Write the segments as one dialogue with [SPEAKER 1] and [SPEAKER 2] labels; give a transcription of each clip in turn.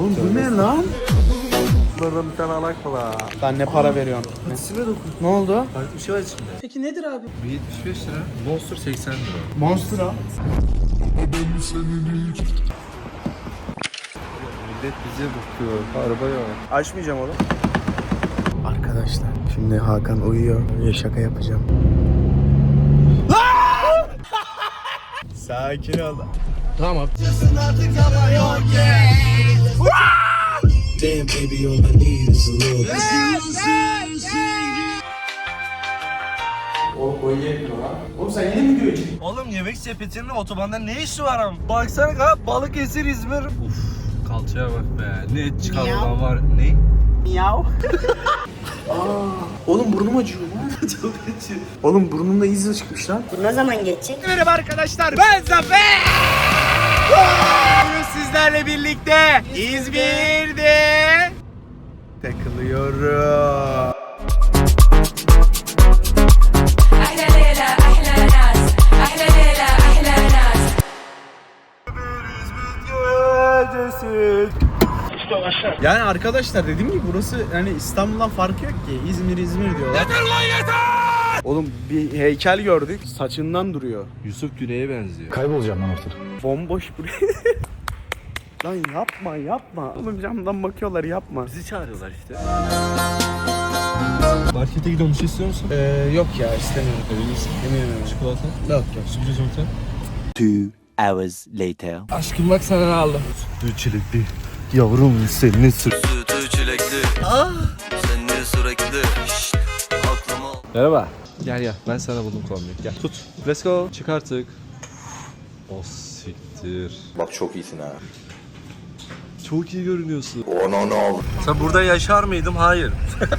[SPEAKER 1] Oğlum bu ne lan?
[SPEAKER 2] Burada bir tane alak var.
[SPEAKER 1] Sen ne para veriyorsun?
[SPEAKER 2] Patisine dokun.
[SPEAKER 1] Ne oldu?
[SPEAKER 2] Farklı bir şey var içinde.
[SPEAKER 1] Peki nedir abi?
[SPEAKER 2] Bir 75 lira. Monster 80 lira.
[SPEAKER 1] Monster al.
[SPEAKER 2] Millet bize bakıyor. Araba yok.
[SPEAKER 1] Açmayacağım oğlum. Arkadaşlar şimdi Hakan uyuyor. Bir şaka yapacağım. Sakin ol. Tamam. Damn baby, all I need is a little. O yetmiyor lan. Oğlum sen yine mi göreceksin?
[SPEAKER 2] Oğlum yemek sepetinin otobanda ne işi var ama? Baksana kanka Balıkesir İzmir. Uf kalçaya bak be. Ne et çıkarma var. Ne?
[SPEAKER 1] Miyav. Oğlum burnum acıyor lan.
[SPEAKER 2] Çok acı.
[SPEAKER 1] Oğlum burnumda iz çıkmış lan.
[SPEAKER 3] Bu ne zaman geçecek?
[SPEAKER 1] Merhaba arkadaşlar, ben Zafer. Bugün sizlerle birlikte İzmir'de takılıyorum.
[SPEAKER 4] أحلى ليلة أحلى ناس أحلى ليلة أحلى ناس
[SPEAKER 1] Yani arkadaşlar dediğim gibi burası yani İstanbul'dan farkı yok ki. İzmir diyorlar. Yeter lan yeter! Oğlum bir heykel gördük. Saçından duruyor.
[SPEAKER 2] Yusuf Güney'e benziyor.
[SPEAKER 5] Kaybolacağım lan ortada.
[SPEAKER 1] Bomboş buraya. Lan yapma. Oğlum camdan bakıyorlar, yapma.
[SPEAKER 2] Bizi çağırıyorlar işte. Markete gidelim, bir şey istiyor musun?
[SPEAKER 1] Yok ya, istemiyorum.
[SPEAKER 2] Emin misin?
[SPEAKER 1] Eminim.
[SPEAKER 2] Çikolata?
[SPEAKER 1] Yok.
[SPEAKER 2] Sürpriz yumurta?
[SPEAKER 6] 2 hours later.
[SPEAKER 1] Aşkım bak sana ne aldım.
[SPEAKER 2] Sütü çilekli. Yavrum senin süt.
[SPEAKER 7] Sütü çilekli. Sen niye sürekli? Şşt, aklıma.
[SPEAKER 2] Merhaba. Gel ben sana buldum kombiyi. Gel tut. Let's go. Çık artık. O siktir.
[SPEAKER 6] Bak çok iyisin ha.
[SPEAKER 2] Çok iyi görünüyorsun.
[SPEAKER 6] Oh no.
[SPEAKER 2] Sen burada yaşar mıydım? Hayır.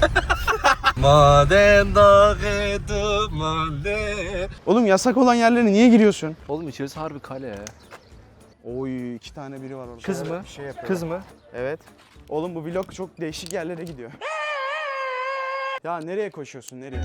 [SPEAKER 2] Madem dağıdı madem.
[SPEAKER 1] Oğlum yasak olan yerlere niye giriyorsun?
[SPEAKER 2] Oğlum içerisi harbi kale.
[SPEAKER 1] Oy, 2 tane biri var orada.
[SPEAKER 2] Kız mı?
[SPEAKER 1] Bir şey yapıyor.
[SPEAKER 2] Kız mı?
[SPEAKER 1] Evet. Oğlum bu vlog çok değişik yerlere gidiyor. Ya nereye koşuyorsun, nereye?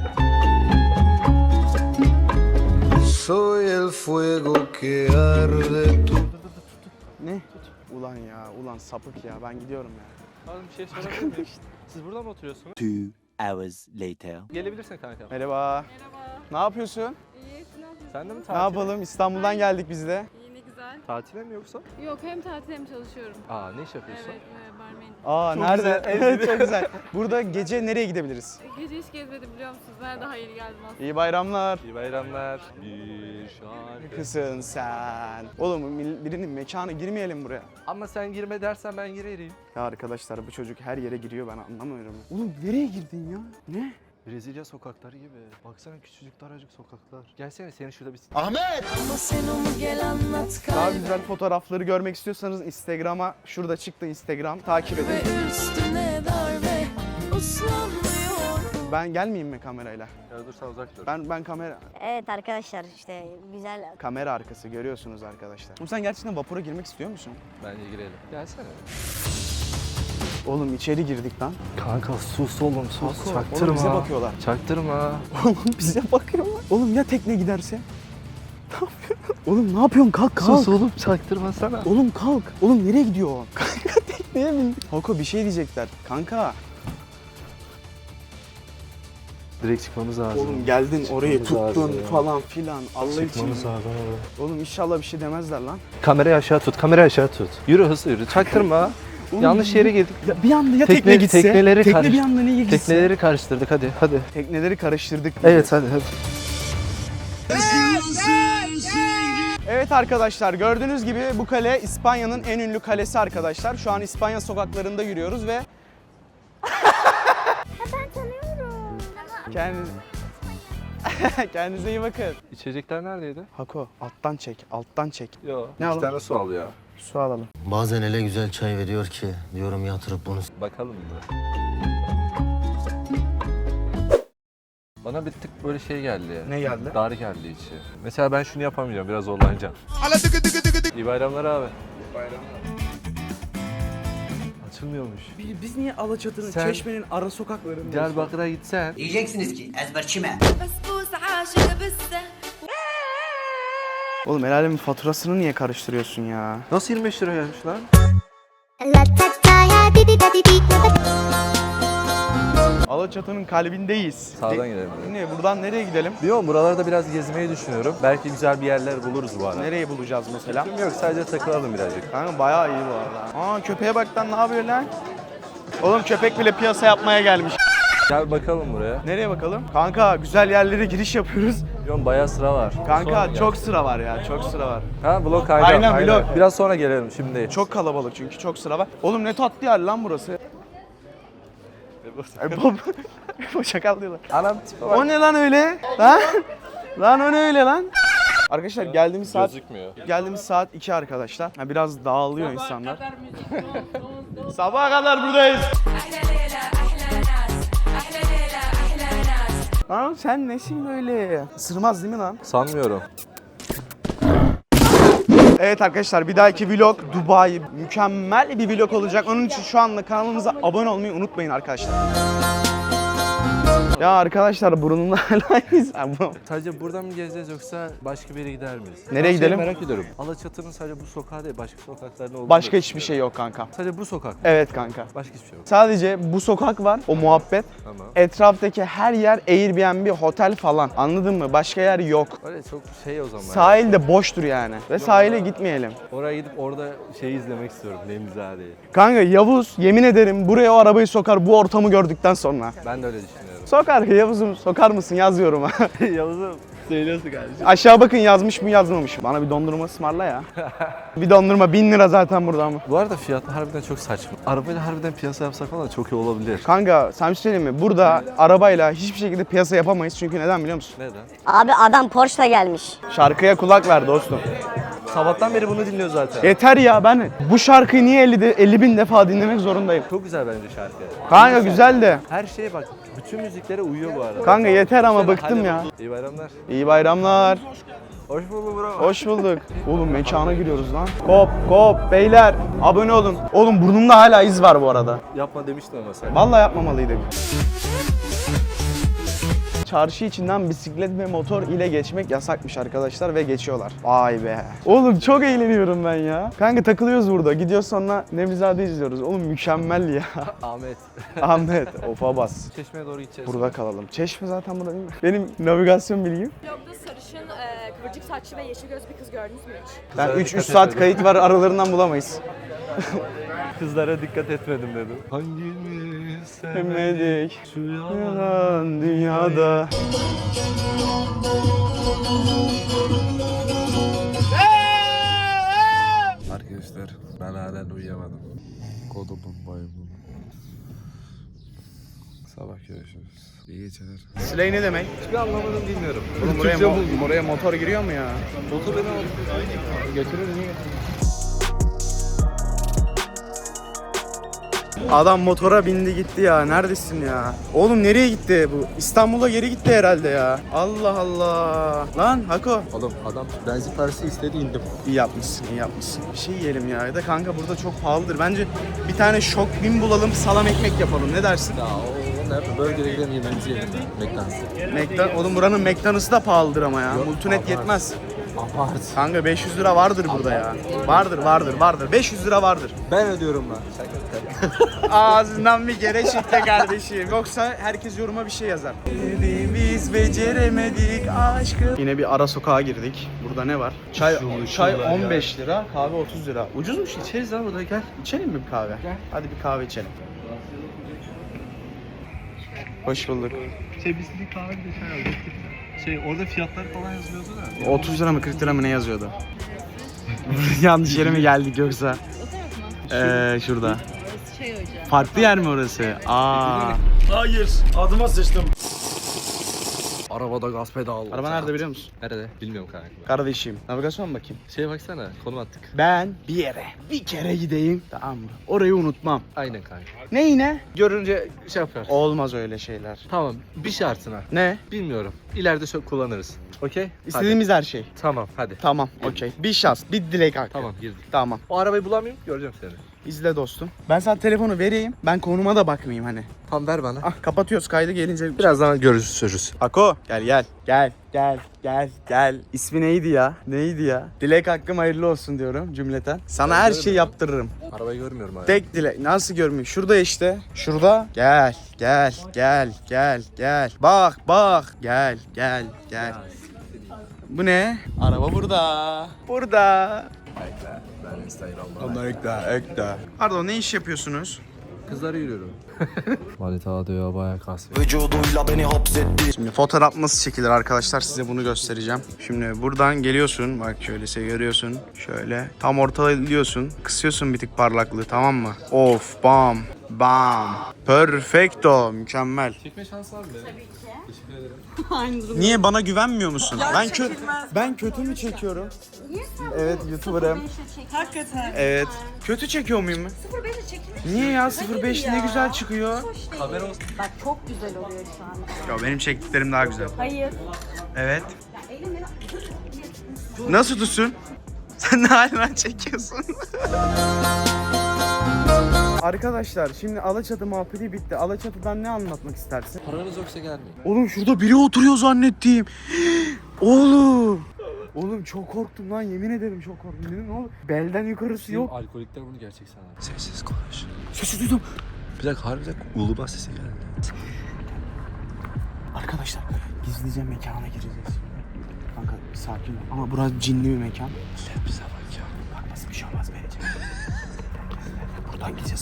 [SPEAKER 7] Soy el fuego que arde tu.
[SPEAKER 1] Ne? Ulan sapık ya, ben gidiyorum ya.
[SPEAKER 2] Oğlum bir şey sorabilir miyim? Siz burada mı oturuyorsunuz?
[SPEAKER 6] 2 hours later.
[SPEAKER 2] Gelebilirsin kanka.
[SPEAKER 1] Merhaba. Ne yapıyorsun?
[SPEAKER 8] İyi, sinan.
[SPEAKER 2] Sen de mi
[SPEAKER 1] Ne
[SPEAKER 2] tatil?
[SPEAKER 1] yapalım? İstanbul'dan geldik biz de.
[SPEAKER 8] İyi, ne güzel.
[SPEAKER 2] Tatile mi yoksa?
[SPEAKER 8] Yok, hem tatil hem çalışıyorum.
[SPEAKER 2] Aa ne iş yapıyorsun?
[SPEAKER 8] Evet, barmenim.
[SPEAKER 1] Aa
[SPEAKER 2] Çok
[SPEAKER 1] nerede?
[SPEAKER 2] güzel, en
[SPEAKER 1] Evet çok güzel. Burada gece nereye gidebiliriz?
[SPEAKER 8] Gece hiç gezmedim biliyor musunuz? Ben daha yeni geldim aslında.
[SPEAKER 1] İyi bayramlar.
[SPEAKER 2] İyi bayramlar. Bir şarkı.
[SPEAKER 1] Kısın sen. Oğlum birinin mekanı girmeyelim buraya.
[SPEAKER 2] Ama sen girme dersen ben girerim.
[SPEAKER 1] Ya arkadaşlar bu çocuk her yere giriyor, ben anlamıyorum. Oğlum nereye girdin ya? Ne?
[SPEAKER 2] Brezilya sokakları gibi. Baksana küçücük daracık sokaklar. Gelsene seni şurada bir...
[SPEAKER 4] Ama sen onu gel anlat
[SPEAKER 1] Daha güzel fotoğrafları görmek istiyorsanız Instagram'a, şurada çıktı Instagram, takip edin.
[SPEAKER 4] ve üstüne darbe uslanmıyor.
[SPEAKER 1] Ben gelmeyeyim mi kamerayla?
[SPEAKER 2] Ya dur sen uzak dur.
[SPEAKER 1] Ben kamera
[SPEAKER 3] Evet arkadaşlar işte güzel.
[SPEAKER 1] kamera arkası görüyorsunuz arkadaşlar. Oğlum sen gerçekten vapura girmek istiyor musun?
[SPEAKER 2] Bence girelim. Gelsene.
[SPEAKER 1] Oğlum içeri girdik lan.
[SPEAKER 2] Kanka sus oğlum sus.
[SPEAKER 1] Oğlum bize bakıyorlar.
[SPEAKER 2] Çaktırma.
[SPEAKER 1] Oğlum bize bakıyorlar. Oğlum ya tekne giderse? Ne yapıyorsun? Oğlum ne yapıyorsun? Kalk.
[SPEAKER 2] Sus oğlum çaktırma sana.
[SPEAKER 1] Oğlum kalk. Oğlum nereye gidiyor o? Kanka tekneye bindik. Hoko bir şey diyecekler. Kanka.
[SPEAKER 2] Direkt çıkmamız lazım.
[SPEAKER 1] Oğlum geldin orayı
[SPEAKER 2] Çıkmamız
[SPEAKER 1] tuttun
[SPEAKER 2] lazım ya.
[SPEAKER 1] falan filan. Allah için.
[SPEAKER 2] Çıkmamız lazım.
[SPEAKER 1] Oğlum inşallah bir şey demezler lan.
[SPEAKER 2] Kamerayı aşağı tut, kamerayı aşağı tut. Yürü hızlı yürü, çaktırma.
[SPEAKER 1] Oğlum,
[SPEAKER 2] Yanlış yere girdik.
[SPEAKER 1] Ya bir anda ya tekne gitse.
[SPEAKER 2] tekneleri
[SPEAKER 1] tekne bir anda niye gitse?
[SPEAKER 2] Tekneleri karıştırdık hadi.
[SPEAKER 1] Tekneleri karıştırdık.
[SPEAKER 2] Evet hadi.
[SPEAKER 1] Evet arkadaşlar, gördüğünüz gibi bu kale İspanya'nın en ünlü kalesi arkadaşlar. Şu an İspanya sokaklarında yürüyoruz ve...
[SPEAKER 3] Ben tanıyorum.
[SPEAKER 1] Kendinize iyi bakın.
[SPEAKER 2] İçecekler neredeydi?
[SPEAKER 1] Hako alttan çek.
[SPEAKER 2] Yo.
[SPEAKER 1] Ne alalım?
[SPEAKER 2] tane su al ya.
[SPEAKER 1] Su alalım.
[SPEAKER 7] Bazen öyle güzel çay veriyor ki diyorum yatırıp bunu.
[SPEAKER 2] Bakalım mı? Bana bir tık böyle şey geldi ya.
[SPEAKER 1] Ne geldi?
[SPEAKER 2] Dar geldi içi. Mesela ben şunu yapamayacağım, biraz zorlanacağım. İyi bayramlar abi. İyi bayramlar. Açılmıyormuş.
[SPEAKER 1] Biz niye Alaçatı'nın,
[SPEAKER 2] Sen-
[SPEAKER 1] Çeşme'nin ara sokaklarında?
[SPEAKER 2] Diyarbakır'a gitsen.
[SPEAKER 9] Diyeceksiniz ki ezberçime.
[SPEAKER 4] بسبوس عاشق بالسه
[SPEAKER 1] Oğlum el alemin faturasını niye karıştırıyorsun ya?
[SPEAKER 2] Nasıl 25 lira gelmiş lan?
[SPEAKER 3] La ta ta
[SPEAKER 1] Alaçatı'nın kalbindeyiz.
[SPEAKER 2] Sağdan gidelim.
[SPEAKER 1] Ne, buradan nereye gidelim?
[SPEAKER 2] Bilmiyorum, buralarda biraz gezmeyi düşünüyorum. Belki güzel bir yerler buluruz bu arada.
[SPEAKER 1] Nereye bulacağız mesela?
[SPEAKER 2] Yok, sadece takılalım birazcık.
[SPEAKER 1] Kanka bayağı iyi bu arada. Aa, köpeğe bak lan, ne yapıyor lan? Oğlum köpek bile piyasa yapmaya gelmiş.
[SPEAKER 2] Gel bakalım buraya.
[SPEAKER 1] Nereye bakalım? Kanka güzel yerlere giriş yapıyoruz.
[SPEAKER 2] Bilmiyorum, bayağı sıra var. Sonra
[SPEAKER 1] Kanka
[SPEAKER 2] gel.
[SPEAKER 1] çok sıra var ya, çok sıra var.
[SPEAKER 2] Ha, blok aynen.
[SPEAKER 1] Aynen, blok.
[SPEAKER 2] Biraz sonra gelelim, şimdi değil.
[SPEAKER 1] Çok kalabalık çünkü, çok sıra var. Oğlum ne tatlı yer lan burası. Ay baba. Bu şakal diyorlar.
[SPEAKER 2] Anam tipe bak.
[SPEAKER 1] O ne lan öyle? Lan? Lan o ne öyle lan? Arkadaşlar geldiğimiz saat 2 arkadaşlar. Ha, biraz dağılıyor insanlar. Sabaha kadar buradayız.
[SPEAKER 4] أحلى ليلة أحلى ناس أحلى ليلة أحلى ناس.
[SPEAKER 1] Lan sen nesin böyle? Isırmaz değil mi lan?
[SPEAKER 2] Sanmıyorum.
[SPEAKER 1] Evet arkadaşlar, bir dahaki vlog Dubai. Mükemmel bir vlog olacak. Onun için şu anda kanalımıza abone olmayı unutmayın arkadaşlar. Ya arkadaşlar burnumda hala iz.
[SPEAKER 2] Sadece buradan mı gezeceğiz yoksa başka bir yere gider miyiz?
[SPEAKER 1] Nereye gidelim?
[SPEAKER 2] Merak ediyorum. Alaçatı'nın sadece bu sokağı değil, başka sokaklarda olduğunu
[SPEAKER 1] Başka
[SPEAKER 2] da
[SPEAKER 1] hiçbir şey yok kanka.
[SPEAKER 2] Sadece bu sokak.
[SPEAKER 1] Evet kanka.
[SPEAKER 2] Başka hiçbir şey yok.
[SPEAKER 1] Sadece bu sokak var, o muhabbet.
[SPEAKER 2] Tamam.
[SPEAKER 1] Etraftaki her yer Airbnb, otel falan. Anladın mı? Başka yer yok.
[SPEAKER 2] Öyle çok şey o zaman.
[SPEAKER 1] Sahil de boştur yani. Ve sahile gitmeyelim.
[SPEAKER 2] Oraya gidip orada şeyi izlemek istiyorum. Nemzade'yi.
[SPEAKER 1] Kanka Yavuz yemin ederim buraya o arabayı sokar bu ortamı gördükten sonra.
[SPEAKER 2] Ben de öyle düşünüyorum.
[SPEAKER 1] Sokar Yavuz'um, sokar mısın yazıyorum ha.
[SPEAKER 2] Yavuz'um söylüyorsun kardeşim.
[SPEAKER 1] Aşağı bakın yazmış mı yazmamış mı? Bana bir dondurma ısmarla ya. Bir dondurma 1000 lira zaten burada ama.
[SPEAKER 2] Bu arada fiyatlar harbiden çok saçma. Arabayla harbiden piyasa yapsak falan çok iyi olabilir.
[SPEAKER 1] Kanka sen bir şey söyleyeyim mi? Burada arabayla hiçbir şekilde piyasa yapamayız. Çünkü neden biliyor musun?
[SPEAKER 2] Neden?
[SPEAKER 3] Abi adam Porsche'la gelmiş.
[SPEAKER 1] Şarkıya kulak ver dostum.
[SPEAKER 2] Sabahtan beri bunu dinliyor zaten.
[SPEAKER 1] Yeter ya, ben bu şarkıyı niye 50 bin defa dinlemek zorundayım?
[SPEAKER 2] Çok güzel bence şarkı.
[SPEAKER 1] Kanka güzel de.
[SPEAKER 2] Her şeye bak. Bütün müziklere uyuyor bu arada.
[SPEAKER 1] Kanka yeter ama
[SPEAKER 2] Hadi
[SPEAKER 1] bıktım ya.
[SPEAKER 2] İyi bayramlar.
[SPEAKER 1] İyi bayramlar.
[SPEAKER 2] Hoş bulduk bro.
[SPEAKER 1] Hoş bulduk. Oğlum mekana giriyoruz lan. Kop beyler abone olun. Oğlum burnumda hala iz var bu arada.
[SPEAKER 2] Yapma demiştim ama sen.
[SPEAKER 1] Vallahi yapmamalıydık. Çarşı içinden bisiklet ve motor ile geçmek yasakmış arkadaşlar ve geçiyorlar. Vay be. Oğlum çok eğleniyorum ben ya. Kanka takılıyoruz burada. Gidiyoruz sonra Nevzade izliyoruz. Oğlum mükemmel ya.
[SPEAKER 2] Ahmet.
[SPEAKER 1] Ahmet ofa bas.
[SPEAKER 2] Çeşmeye doğru gideceğiz.
[SPEAKER 1] Burada kalalım. Çeşme zaten burada değil mi? Benim navigasyon bilgim.
[SPEAKER 8] Vlogda sarışın, kıvırcık saçlı ve yeşil gözlü bir kız gördünüz mü hiç?
[SPEAKER 1] Ben
[SPEAKER 2] Kızlara
[SPEAKER 1] 3
[SPEAKER 2] dikkat
[SPEAKER 1] saat
[SPEAKER 2] etmedim.
[SPEAKER 1] kayıt var, aralarından bulamayız.
[SPEAKER 2] Kızlara dikkat etmedim dedim. Hangimiz
[SPEAKER 1] Sevmedik
[SPEAKER 2] şu yalan.
[SPEAKER 1] yalan dünyada.
[SPEAKER 2] Arkadaşlar ben halen uyuyamadım. Kodumun maymun. Sabah görüşürüz. İyi geceler.
[SPEAKER 1] Slay ne demek?
[SPEAKER 2] Hiçbir anlamadım bilmiyorum.
[SPEAKER 1] Oğlum buraya motor giriyor mu ya?
[SPEAKER 2] Motor beni aldı.
[SPEAKER 1] Götürür niye götürür? Adam motora bindi gitti ya. Neredesin ya? Oğlum nereye gitti bu? İstanbul'a geri gitti herhalde ya. Allah Allah. Lan Hako.
[SPEAKER 2] Oğlum adam benzin parası istedi indim.
[SPEAKER 1] İyi yapmışsın, iyi yapmışsın. Bir şey yiyelim ya. Ya da kanka burada çok pahalıdır. Bence bir tane şok bin bulalım, salam ekmek yapalım. Ne dersin?
[SPEAKER 2] Ya o nerede? Burger'e gidelim yemeğimizi yiyelim. McDonald's.
[SPEAKER 1] Oğlum buranın McDonald's'ı da pahalıdır ama ya.
[SPEAKER 2] Yok,
[SPEAKER 1] Multinet
[SPEAKER 2] abart.
[SPEAKER 1] yetmez.
[SPEAKER 2] Abart.
[SPEAKER 1] Kanka 500 lira vardır burada ya. Vardır. 500 lira vardır.
[SPEAKER 2] Ben ödüyorum lan.
[SPEAKER 1] Ağzından bir kere çıktı kardeşim. Yoksa herkes yoruma bir şey yazar. Biz beceremedik aşkı. Yine bir ara sokağa girdik. Burada ne var? Çay 15 lira, kahve 30 lira. Ucuzmuş.
[SPEAKER 2] İçeriz lan burada gel.
[SPEAKER 1] İçelim mi bir kahve? Hadi bir kahve içelim. Hoş bulduk.
[SPEAKER 2] Biz bir kahve bir de çay aldık. Orada fiyatlar falan yazıyordu da.
[SPEAKER 1] 30 lira mı 40 lira mı ne yazıyordu? Yanlış yere mi geldik yoksa? Şurada. Farklı yer mi orası? Hayır, adıma sıçtım.
[SPEAKER 2] Arabada gaz pedal.
[SPEAKER 1] Araba nerede biliyor musun?
[SPEAKER 2] Nerede? Bilmiyorum kanka.
[SPEAKER 1] Kardeşim, navigasyon bakayım.
[SPEAKER 2] Şeye baksana, konum attık.
[SPEAKER 1] Ben bir yere, bir kere gideyim. Tamam mı? Orayı unutmam.
[SPEAKER 2] Aynen kanka.
[SPEAKER 1] Ne yine?
[SPEAKER 2] Görünce şey yaparsın.
[SPEAKER 1] Olmaz öyle şeyler.
[SPEAKER 2] Tamam, bir şartına.
[SPEAKER 1] Ne?
[SPEAKER 2] Bilmiyorum. İleride çok kullanırız. Okey?
[SPEAKER 1] İstediğimiz her şey.
[SPEAKER 2] Tamam, hadi.
[SPEAKER 1] Tamam, okey. Bir şans, bir dilek hakkı.
[SPEAKER 2] Tamam, girdik.
[SPEAKER 1] Tamam.
[SPEAKER 2] O arabayı bulamayayım, göreceğim seni.
[SPEAKER 1] İzle dostum. Ben sana telefonu vereyim. Ben konuma da bakmayayım hani.
[SPEAKER 2] Tamam ver bana.
[SPEAKER 1] Ah kapatıyoruz kaydı gelince.
[SPEAKER 2] Birazdan görüşürüz.
[SPEAKER 1] Ako gel gel. Gel gel gel gel. İsmi neydi ya? Neydi ya? Dilek hakkım hayırlı olsun diyorum cümleten. Sana her şeyi yaptırırım.
[SPEAKER 2] Arabayı görmüyorum hala.
[SPEAKER 1] Tek dilek. Nasıl görmüyor? Şurada işte. Şurada. Gel gel gel gel gel. Bak bak. Gel gel gel. Bu ne? Araba burada. Burada.
[SPEAKER 2] Ben Instagram'da.
[SPEAKER 1] Allah ekle. Pardon ne iş yapıyorsunuz?
[SPEAKER 2] Kızları yürüyorum. Manita diyor bayağı kasıyor.
[SPEAKER 6] Vücuduyla beni hapsetti.
[SPEAKER 1] Şimdi fotoğraf nasıl çekilir arkadaşlar size bunu göstereceğim. Şimdi buradan geliyorsun bak şöyle görüyorsun. Şöyle tam ortalıyorsun. Kısıyorsun bir tık parlaklığı tamam mı? Of bam bam. Perfecto mükemmel.
[SPEAKER 2] Çekme şansı var mı benim? Tabii ki. Teşekkür ederim.
[SPEAKER 1] Niye bana güvenmiyor musun? Ben kötü mü çekiyorum? Evet YouTuber'ım.
[SPEAKER 8] Hakikaten.
[SPEAKER 1] Evet. Kötü çekiyor muyum?
[SPEAKER 8] 05'e çekilmiş.
[SPEAKER 1] Niye ya 05 ne güzel çıkıyor.
[SPEAKER 2] Haber olsun.
[SPEAKER 8] Bak çok güzel oluyor şu an.
[SPEAKER 1] Ya benim çektiklerim daha güzel.
[SPEAKER 8] Hayır.
[SPEAKER 1] Evet. Nasıl tutsun? Sen ne halinden çekiyorsun? Arkadaşlar şimdi Alaçatı muhabbeti bitti. Alaçatı'dan ne anlatmak istersin?
[SPEAKER 2] Paranız yoksa gelmeyin.
[SPEAKER 1] Oğlum şurada biri oturuyor zannettim. Oğlum. Oğlum çok korktum lan yemin ederim çok korktum. Dedim ne olur belden yukarısı yok.
[SPEAKER 2] Alkolikler bunu gerçek sanır. Sessiz konuş.
[SPEAKER 1] Sesi duydum.
[SPEAKER 2] Bir dakika harbiden ulu sesi geldi.
[SPEAKER 1] Arkadaşlar gizlice mekana gireceğiz şimdi. Kanka bir sakin ol. Ama burası cinli bir mekan.
[SPEAKER 2] Bize bak ya.
[SPEAKER 1] Bak nasıl bir şey olmaz vereceğim. Buradan gideceğiz.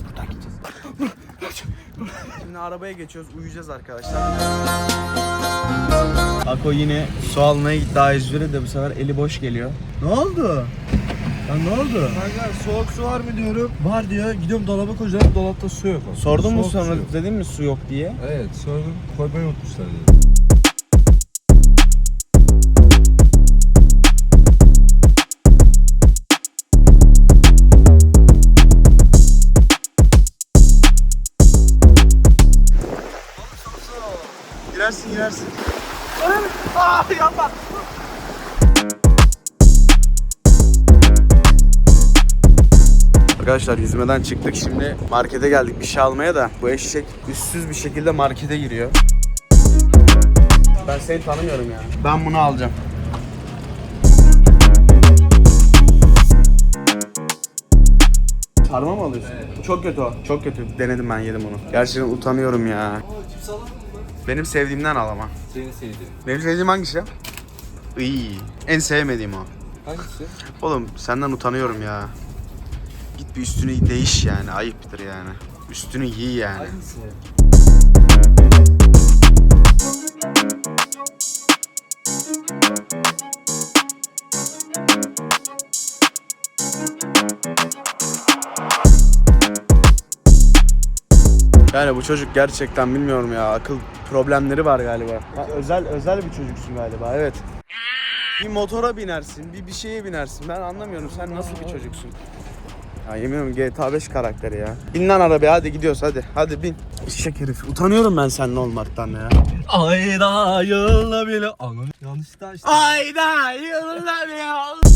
[SPEAKER 1] Şimdi arabaya geçiyoruz. Uyuyacağız arkadaşlar. Ako yine su almaya gitti A101'e de bu sefer eli boş geliyor. Ne oldu? Ya ne oldu?
[SPEAKER 2] Kanka soğuk su var mı diyorum. Var diyor. Gidiyorum dolaba koyacağım. Dolapta su yok.
[SPEAKER 1] Sordun mu
[SPEAKER 2] Soğuk
[SPEAKER 1] sonra
[SPEAKER 2] su yok.
[SPEAKER 1] dedin mi su yok diye?
[SPEAKER 2] Evet sordum. Koymayı unutmuşlar dedi.
[SPEAKER 1] Girersin. Yapma. Arkadaşlar yüzmeden çıktık şimdi markete geldik bir şey almaya da bu eşek üstsüz bir şekilde markete giriyor. Ben seni tanımıyorum ya. Ben bunu alacağım. Sarma mı alıyorsun? Evet. Çok kötü o. Çok kötü. Denedim ben yedim onu. Gerçekten utanıyorum ya.
[SPEAKER 2] Cips alalım mı?
[SPEAKER 1] Benim sevdiğimden al ama.
[SPEAKER 2] Senin sevdiğin.
[SPEAKER 1] Benim sevdiğim hangisi? İyi. En sevmediğim o.
[SPEAKER 2] Hangisi?
[SPEAKER 1] Oğlum senden utanıyorum ya. Git bir üstünü değiş yani. Ayıptır yani. Üstünü giy yani.
[SPEAKER 2] Hangisi?
[SPEAKER 1] Yani bu çocuk gerçekten bilmiyorum ya. Akıl problemleri var galiba. Ha, özel bir çocuksun galiba. Evet. Bir motora binersin, bir şeye binersin. Ben anlamıyorum. Sen nasıl bir çocuksun? Ya yemin ediyorum GTA 5 karakteri ya. Bin lan arabaya hadi gidiyoruz hadi. Hadi bin. Eşek herif. Utanıyorum ben seninle olmaktan ya.
[SPEAKER 2] Ayda yılda bile. Anam yanlış da işte.
[SPEAKER 1] Ayda yılda bir